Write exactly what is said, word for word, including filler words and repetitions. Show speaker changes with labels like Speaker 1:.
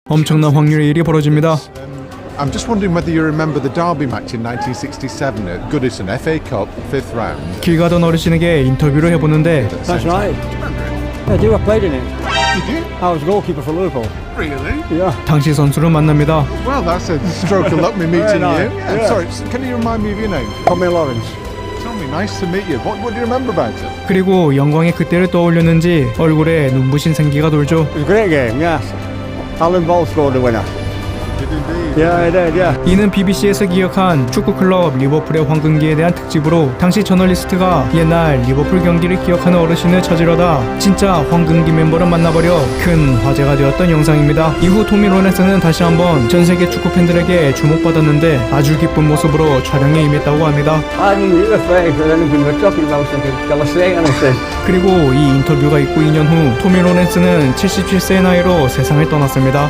Speaker 1: 엄청난 확률의 일이 벌어집니다.
Speaker 2: I'm just wondering whether you remember the Derby match in nineteen sixty-seven at Goodison F A Cup, fifth round.
Speaker 1: 길 가던 어르신에게 인터뷰를 해보는데
Speaker 3: That's right. I do. I played in it.
Speaker 2: Did you?
Speaker 3: I was goalkeeper for Liverpool.
Speaker 2: Really?
Speaker 3: Yeah.
Speaker 1: 당시 선수를 만납니다.
Speaker 2: Well, that's a stroke of luck me meeting
Speaker 3: Very
Speaker 2: you.
Speaker 3: nice.
Speaker 2: Yeah,
Speaker 3: Yeah.
Speaker 2: Sorry, can you remind me of your name?
Speaker 3: Tommy Lawrence.
Speaker 2: Tell me, nice to meet you. What, what do you remember about it?
Speaker 1: 그리고 영광의 그때를 떠올렸는지 얼굴에 눈부신 생기가 돌죠.
Speaker 3: It was a great game. Yes. Alan Ball scored the winner.
Speaker 2: Did indeed.
Speaker 3: Yeah, I did. Yeah.
Speaker 1: 이는 비비씨에서 기획한 축구클럽 리버풀의 황금기에 대한 특집으로 당시 저널리스트가 옛날 리버풀 경기를 기억하는 어르신을 찾으려다 진짜 황금기 멤버를 만나버려 큰 화제가 되었던 영상입니다. 이후 토미 로렌스는 다시 한번 전세계 축구 팬들에게 주목받았는데 아주 기쁜 모습으로 촬영에 임했다고 합니다.
Speaker 3: I knew you were afraid that anything we're talking about something. Shall I say anything?
Speaker 1: 그리고 이 인터뷰가 있고 이 년 후 토미 로렌스는 칠십칠 세의 나이로 세상을 떠났습니다.